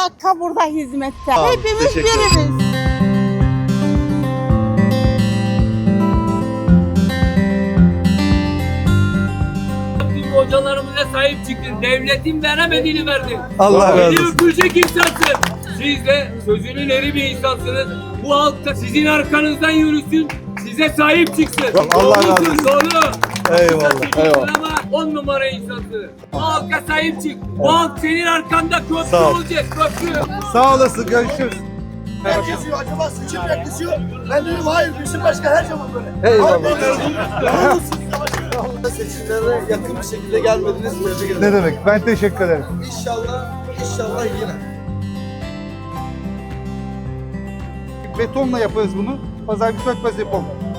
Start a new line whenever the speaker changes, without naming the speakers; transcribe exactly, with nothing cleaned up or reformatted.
dakika burada hizmette.
Tamam,
Hepimiz
teşekkür ederim.
biriz.
Hocalarımıza sahip çıktın. Devletin veremediğini verdin.
Allah razı
Beni
olsun.
öpecek insansın. Siz de sözünün eri bir insansınız. Bu halk da sizin arkanızdan yürüsün. Size sahip çıksın.
Allah razı
Doğrusun,
olsun.
Doğru.
Eyvallah,
Haklısın
eyvallah.
Ama on numara insansın. Bu halka sahip çık. Bu halk senin arkanda köprü
Sağ ol.
olacak. Köprü.
Sağ olasın, görüşürüz.
Herkes diyor acaba seçim yaklaşıyor. Ben diyorum hayır bizim başkan her zaman böyle.
Eyvallah.
Seçimlere yakın bir şekilde gelmediniz. Tebrik ederim.
Ne demek? Ben teşekkür ederim.
İnşallah, inşallah yine.
Betonla yaparız bunu. Pazar bir sökmez yapalım.